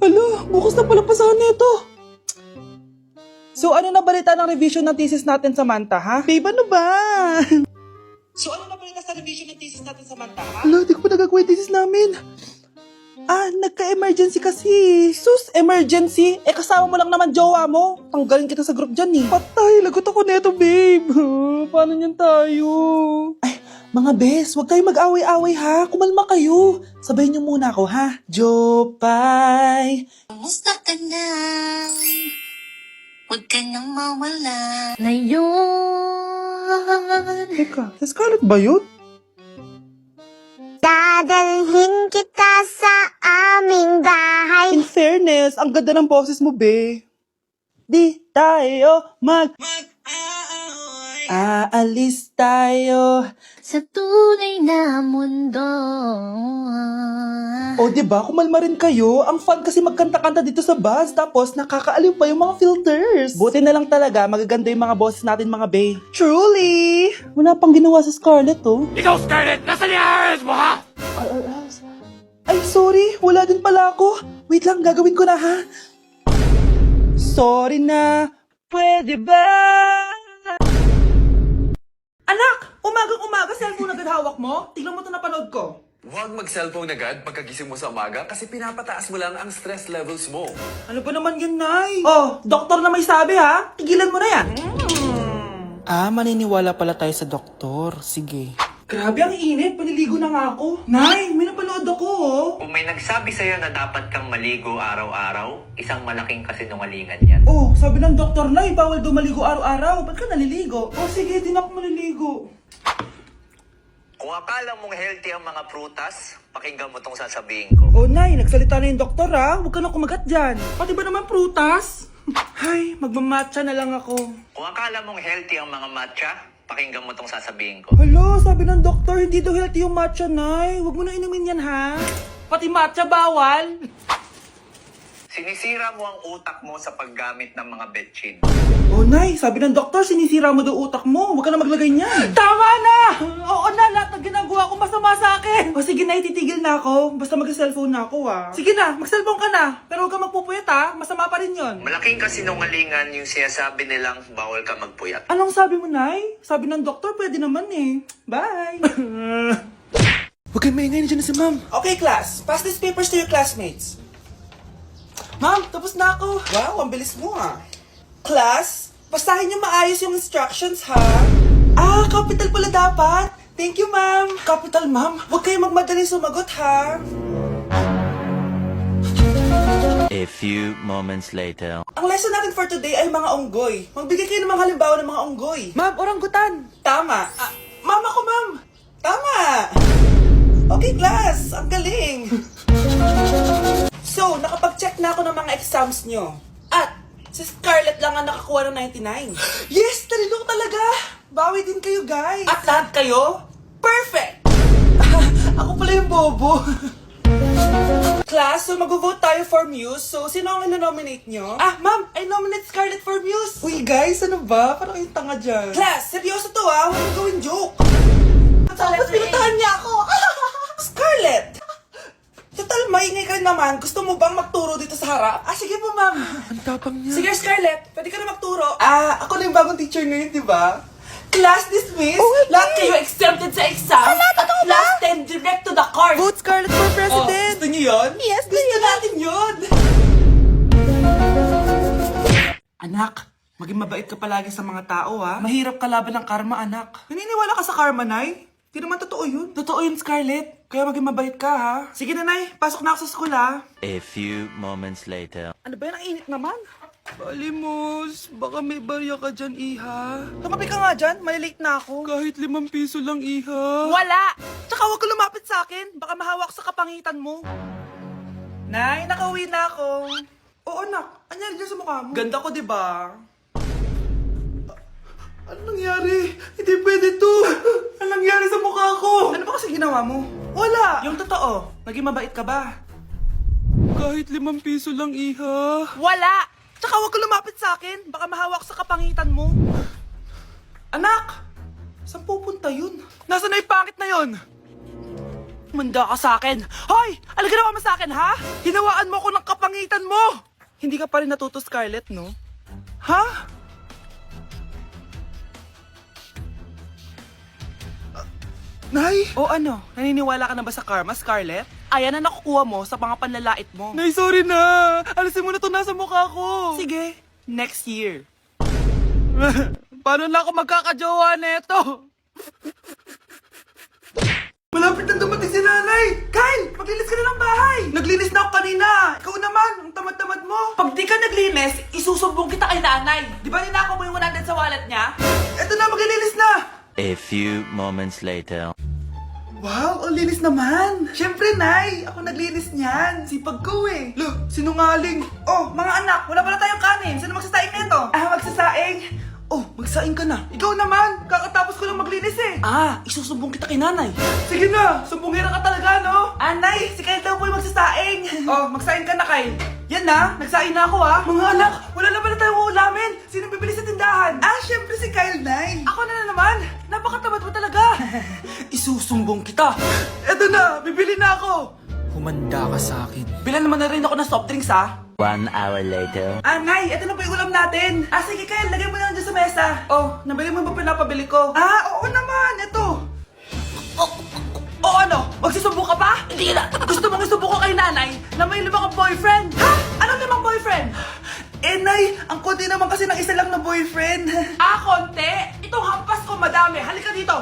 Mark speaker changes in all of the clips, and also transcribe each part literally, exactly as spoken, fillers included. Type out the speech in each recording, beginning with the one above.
Speaker 1: Hala, bukas na pala pasahan nito. So ano na balita ng revision ng thesis natin, Samantha, ha? Babe, ano ba? So ano na balita sa revision ng thesis natin, Samantha, ha? Hala, di ko pa nagagawa yung thesis namin. Ah, nagka-emergency kasi. Sus, emergency? Eh, kasama mo lang naman jowa mo. Tanggalin kita sa group dyan eh. Patay, lagot ako neto, babe. Paano niyan tayo? Ay, mga bes, huwag kayo mag-away-away ha. Kumalma kayo. Sabayin niyo muna ako ha. Jopay.
Speaker 2: Kumusta ka na? Huwag ka nang mawala. Ngayon.
Speaker 1: Teka, si Scarlett ba yun?
Speaker 2: Dadalhin kita sa aming bahay.
Speaker 1: In fairness, ang ganda ng boses mo, be. Di tayo mag... Aalis tayo.
Speaker 2: Sa tunay na mundo.
Speaker 1: O, diba? Kumalma rin kayo. Ang fun kasi magkanta-kanta dito sa bus. Tapos, nakakaaliw pa yung mga filters. Buti na lang talaga, magaganda yung mga boses natin, mga bae. Truly! Wala pang ginawa sa Scarlett, oh.
Speaker 3: Ikaw, Scarlett! Nasaan yung ayos mo, ha?
Speaker 1: Ay, ay, ay, ay, sorry. Wala din pala ako. Wait lang, gagawin ko na, ha? Sorry na. Pwede ba? Anak! Umagang-umaga, cellphone agad hawak mo? Tingnan mo ito napanood ko.
Speaker 4: Huwag mag-cellphone agad pagkagising mo sa umaga kasi pinapataas mo lang ang stress levels mo.
Speaker 1: Ano ba naman yan, Nay? Oh, doktor na may sabi, ha? Tigilan mo na yan. Mm. Ah, maniniwala pala tayo sa doktor. Sige. Grabe, ang init. Paniligo na nga ako. Nay, may napanood ako, oh.
Speaker 5: Kung may nagsabi sa'yo na dapat kang maligo araw-araw, isang malaking kasinungalingan yan.
Speaker 1: Oh, sabi ng doktor, Nay, bawal daw maligo araw-araw. Ba't ka naliligo? Oh, sige, din ako maliligo.
Speaker 5: Kung akala mong healthy ang mga prutas, pakinggan mo tong sasabihin ko.
Speaker 1: Oh, Nay, nagsalita na yung doktor, ha? Huwag ka na kumagat dyan. Pati ba naman prutas? Ay, magmamatcha na lang ako.
Speaker 5: Kung akala mong healthy ang mga matcha, pakinggan mo tong sasabihin ko.
Speaker 1: Hala, sabi ng doktor, hindi daw healthy yung matcha, Nay. Huwag mo na inumin yan, ha? Pati matcha bawal.
Speaker 5: Sinisira mo ang utak mo sa paggamit ng mga betchin.
Speaker 1: Oh, Nay, sabi ng doktor, sinisira mo daw utak mo. Huwag ka na maglagay niyan. Tama na! Oo na, lahat ng ginagawa ko masama sa akin. O sige, Nay, titigil na ako. Basta mag-cellphone na ako, ha. Sige na, mag-cellphone ka na. Pero huwag ka magpupuyat, ha. Masama pa rin yon.
Speaker 5: Malaking kasinungalingan yung sinasabi nilang bawal ka magpuyat.
Speaker 1: Anong sabi mo, Nay? Sabi ng doktor, pwede naman eh. Bye! Huwag kayong maingay na dyan na si Ma'am. Okay, class. Pass these papers to your classmates. Ma'am, tapos na ako. Wow, ang bilis mo ah. Class, basahin niyo maayos yung instructions ha. Ah, capital pala dapat. Thank you, ma'am. Capital, ma'am. Huwag kayong magmadaling sumagot ha.
Speaker 6: A few moments later.
Speaker 1: Ang lesson natin for today ay mga unggoy. Magbigay kayo ng mga halimbawa ng mga unggoy. Ma'am, oranggutan. Tama. Ah, ma'am ako, ma'am. Tama. Okay, class. Ang galing. So, nakapag-check na ako ng mga exams nyo. At, si Scarlett lang ang nakakuha ng ninety-nine. Yes! Talino ko talaga! Bawi din kayo, guys! At lahat kayo? Perfect! Ako pala yung bobo. Class, so mag-vote tayo for Muse. So, sino ang ino-nominate nyo? Ah, ma'am! I nominate Scarlett for Muse! Uy, guys, ano ba? Parang yung tanga dyan. Class, seryoso to ah! Huwag mo gawin joke! Tapos pinuntahan niya ako! Scarlett! Total, maingay ka rin naman. Gusto mo bang magturo dito sa harap? Ah, sige po, ma'am. Ang tapang niya. Sige, Scarlett. Pwede ka na magturo. Ah, ako na yung bagong teacher ngayon, di ba? Class dismissed. Oh, lahat kayo exempted sa exam. Ala, totoo ba? Last ten, direct to the court. Vote Scarlett for president. Oh, gusto niyo yun? Yes, gusto natin yun. Anak, maging mabait ka palagi sa mga tao, ha? Mahirap kalaban ng karma, anak. Naniniwala ka sa karma, Nay? Di naman totoo yun. Totoo yun, Scarlett. Kaya maging mabait ka, ha? Sige, Nanay. Pasok na ako sa school, ha?
Speaker 6: A few moments later.
Speaker 1: Ano ba yan? Ang init naman. Balimos, baka may barya ka dyan, Iha. Tumabi ka nga dyan. Malilate na ako. Kahit limang piso lang, Iha. Wala! Tsaka huwag ka lumapit sa akin. Baka mahawak sa kapangitan mo. Nay, nakauwi na ako. Oo, anak. Anyari dyan sa mukha mo? Ganda ko, di ba? Ano nangyari? Hindi pwede to! Ano nangyari sa mukha ko? Ano ba kasi ginawa mo? Wala! Yung totoo, naging mabait ka ba? Kahit limang piso lang, Iha. Wala! Tsaka huwag ka lumapit sa akin. Baka mahawak sa kapangitan mo. Anak! Saan pupunta yun? Nasaan na yung pangit na yun? Manda ka sa akin. Hoy! Ano ginawa mo sa akin, ha? Hinawaan mo ako ng kapangitan Hindi ka pa rin natuto, Scarlett, no? Ha? Ah, Nay? O ano? Naniniwala ka na ba sa karma, Scarlett? Ayan na nakukuha mo sa mga panlalait mo. Nay, sorry na! Alisin mo na to nasa mukha ko! Sige, next year. Paano na ako magkakajowa neto? Malapit na dumating si nanay! Kyle! Maglinis ka na ng bahay! Naglinis na ako kanina! Ikaw naman! Ang tamad-tamad mo! Pag di ka naglinis, isusumbong kita kay nanay! Di ba ninakaw mo yung one hundred sa wallet niya? Eto na, maglilinis na!
Speaker 6: A few moments later.
Speaker 1: Wow, ang linis naman! Siyempre, Nay! Ako naglinis niyan! Sipag ko eh! Look, sinungaling! Oh, mga anak, wala pala tayong kanin! Sino magsasaing nito? Ah, magsasaing? Oh, magsaing ka na! Ikaw naman! Kakatapos ko lang maglinis eh! Ah, isusumbong kita kay nanay! Sige na! Sumbongera ka talaga, no? Ah, Nay! Si Kyle daw po yung magsasaing! Oh, magsaing ka na, Kyle! Yan na! Nagsaing na ako ah! Mga anak, wala na pala tayong ulamin! Sino bibili sa tindahan? Ah, syempre si Kyle, Nay! Ako na na naman! Napakatamad mo talaga! Isusumbong kita! Eto na! Bibili na ako! Humanda ka sa akin. Bilan naman na rin ako ng soft drinks, ah!
Speaker 6: One hour later.
Speaker 1: Ah, Nay! Eto na po yung ulam natin! Ah, sige, Kyle! Lagay mo na lang dyan sa mesa! Oh, nabili mo ba pinapabili ko? Ah, oo naman! Eto! O, o ano? Magsusumbong ka pa? Hindi na! Gusto mong isumbong ko kay nanay na may limang boyfriend? Ha? Anong limang boyfriend? Eh, Nay! Ang konti naman kasi ng isa lang na boyfriend. Ah, konti? Itong hampas ko madami. Halika dito!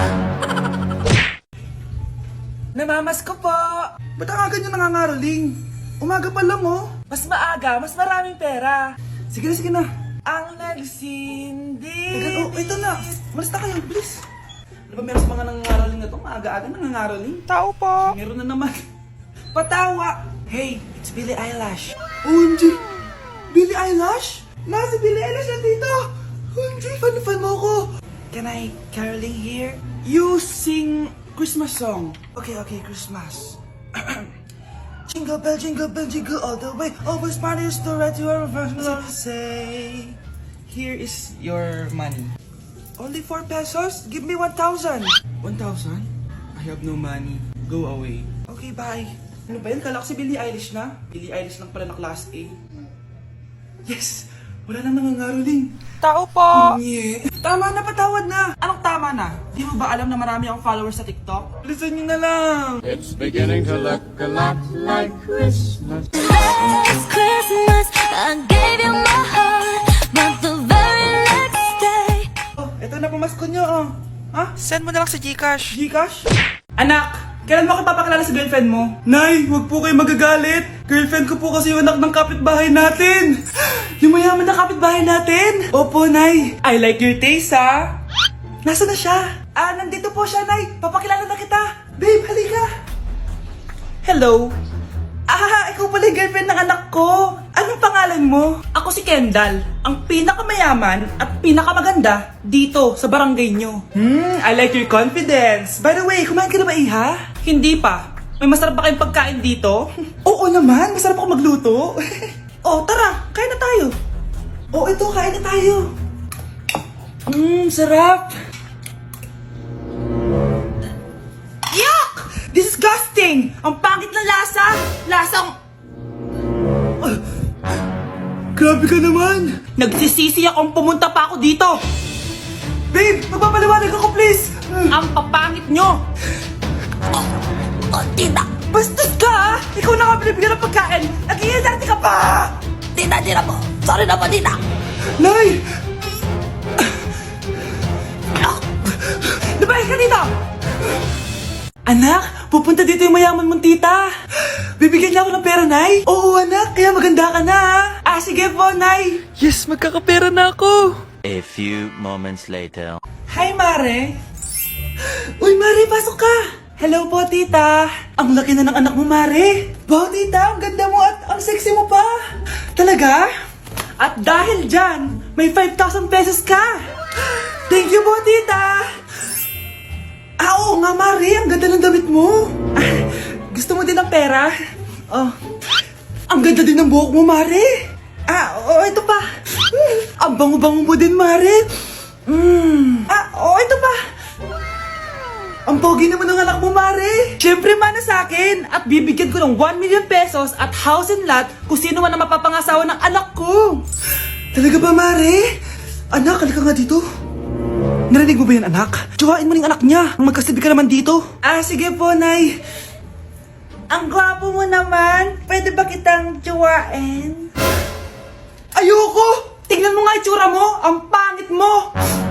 Speaker 1: Namamas ko po! Ba't ang aga niyo nangangaroling? Umaga pa lang, oh. Mas maaga, mas maraming pera. Sige na, sige na. Ang nagsindi. Teka, oh, ito na. Malis na kayo, bilis. Ano ba meron sa mga nangangaroling na to? Maaga-aga nangangaroling. Tao po. Meron na naman. Patawa. Hey, it's Billie Eilish. O M G! Billie Eilish? Nasa Billie Eilish na dito. O M G, fan-fan mo ko. Can I caroling here? You sing Christmas song. Okay, okay, Christmas. Jingle bell, jingle bell, jingle all the way. Always matters to right to our first love. Say, here is your money. Only four pesos? Give me one thousand. One thousand? I have no money. Go away. Okay, bye. Ano ba yan? Kala ko si Billie Eilish na. Billie Eilish lang pala na class A. Yes! Wala nang nangangaroling. Tao po! Nye. Tama na, patawad na. Anong tama na? Di mo ba alam na marami akong followers sa TikTok? Listen nyo na lang.
Speaker 3: It's beginning to look a lot like Christmas.
Speaker 2: Last Christmas, I gave you my heart, but the very next day.
Speaker 1: Oh, eto na pamasko nyo, oh. Ha? Send mo na lang sa Gcash. Gcash? Anak! Kailan mo ako papakilala sa girlfriend mo? Nay, wag po kayo magagalit. Girlfriend ko po kasi yung anak ng kapitbahay natin. Yung mayaman na kapitbahay natin. Opo, Nay. I like your taste, ha? Nasaan na siya? Ah, nandito po siya, Nay. Papakilala na kita. Babe, halika. Hello. Ah, ikaw pala yung girlfriend ng anak ko. Anong pangalan mo? Ako si Kendall, ang pinakamayaman at pinakamaganda dito sa barangay nyo. Hmm, I like your confidence. By the way, kumain ka na ba, Iha? Hindi pa. May masarap ba kayong pagkain dito? Oo naman, masarap ako magluto. Oh, tara, kain na tayo. Oh, ito, kain na tayo. Mmm, sarap. Yuck! Disgusting! Ang pangit na lasa! Lasang... Uh, grabe ka naman! Nagsisisi akong pumunta pa ako dito! Babe, magpapaliwanag ako please! Ang papangit nyo! Oh, oh, tita! Bastos ka! Ikaw na nga binibigyan ng pagkain! Nag-iinarte ka pa! Tita, tita po! Sorry na po, tita! Nay! Lumayas ka dito! Anak, pupunta dito yung mayaman mong tita. Bibigyan niya ako ng pera, Nay. Oo, anak, kaya maganda ka na. Ah, sige po, Nay. Yes, magkakapera na ako.
Speaker 6: A few moments later.
Speaker 1: Hi, Mare. Uy, Mare, pasok ka. Hello po, tita. Ang laki na ng anak mo, Mare. Wow, tita, ang ganda mo at ang sexy mo pa. Talaga? At dahil dyan, may five thousand pesos ka. Thank you po, tita. Ah, oo nga, Mari. Ang ganda ng damit mo. Ah, gusto mo din ng pera? Oh. Ang ganda din ng buhok mo, Mari. Ah, oo, ito pa. Ang bango-bango mo din, Mari. Mm. Ah, oo, ito pa. Ang pogi naman ng anak mo, Mare. Siyempre, mana sa akin. At bibigyan ko ng one million pesos at house and lot kung sino man ang mapapangasawa ng anak ko. Talaga ba, Mare? Anak, halika nga dito. Narinig mo ba yan, anak? Tsuhain mo ng anak niya. Ang magkasabi ka naman dito. Ah, sige po, Nay. Ang gwapo mo naman. Pwede ba kitang tsuhain? Ayoko! Tingnan mo nga itsura mo. Ang pangit mo.